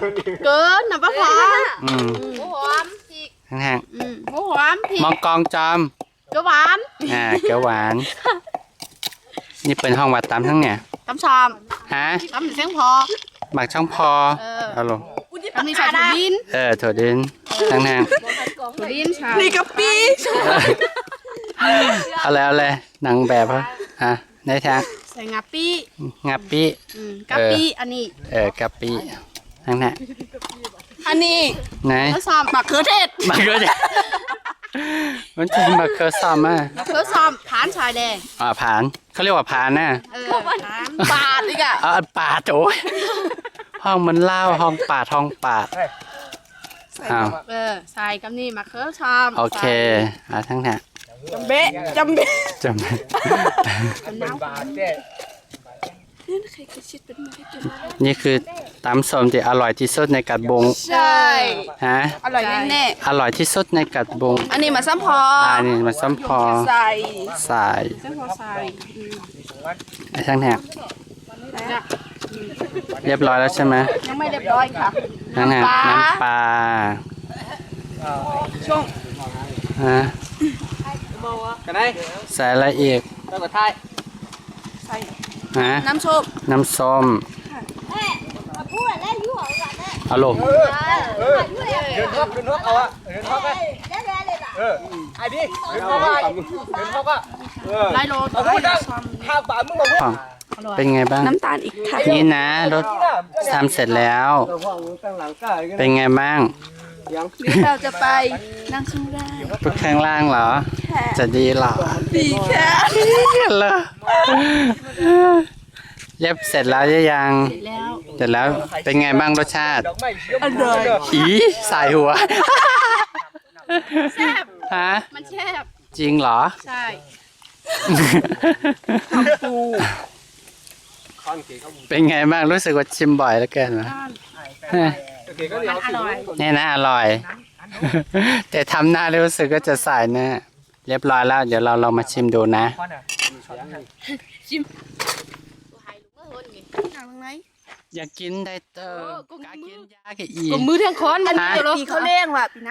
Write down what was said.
เกินนะป้าพอหัวหอมอีกแห้งหัวหอมพี่มองกองจอมเกี๊ยวหวานเกี๊ยวหวานนี่เป็นห้องวัดตามทั้งเนี่ยตำชามฮะตำเสียงพอหมักช่องพอเอาลงตำมีใส่ถั่วดินถั่วดินทั้งแห้งถั่วดินใช่นี่กะปิเอาเลยหนังแบบฮะได้ทางใส่งาปี้กะปิอันนี้กะปิทั้งนั้นอันนี้ไหนมะเขือเทศมันเป็นมะเขือซ้ำมะเขือซ้ำผานชายแดงผานเขาเรียกว่าผานนะปาดอีกอ่ะปาดโอ้ยห้องมันเล่าห้องปาดใส่กับนี่มะเขือซ้ำโอเคทั้งนั้นจำเบ๊นี่คือตำส้มที่อร่อยที่สุดในกัดบงใช่ฮะอร่อยแน่อร่อยที่สุดในกัดบงอันนี้มาซ้ำพอนี่มาซ้ำพอใส่ซ้ำพอใส่ทั้งแถบเรียบร้อยแล้วใช่ไหมยังไม่เรียบร้อยค่ะน้ำปลาช่วงใส่อะไรอีกน้ำส้มเอาลงไอ้พี่ไล่โลต่อไปเป็นไงบ้างน้ำตาลอีกค่ะนี่นะรถทำเสร็จแล้วเป็นไงบ้างเราจะไปนั่งข้างล่างไปข้างล่างเหรอจะดีเหรอดีแค่เลยเย็บเสร็จแล้วยังเสร็จแล้วเป็นไงบ้างรสชาติอร่อยใส่หัวแซ่บฮะมันแซ่บจริงเหรอใช่เป็นไงบ้างรู้สึกว่าชิมบ่อยแล้วเกินเหรอมันอร่อยนี่นะอร่อยแต่ทำหน้ารู้สึกก็จะใส่นะเรียบร้อยแล้วเดี๋ยวเรามาชิมดูนะชิมอยากกินได้เตอร์กากินยาแกอีกมือเทียงค้อนมันปีเขาเลี้ยงว่ะปีนะ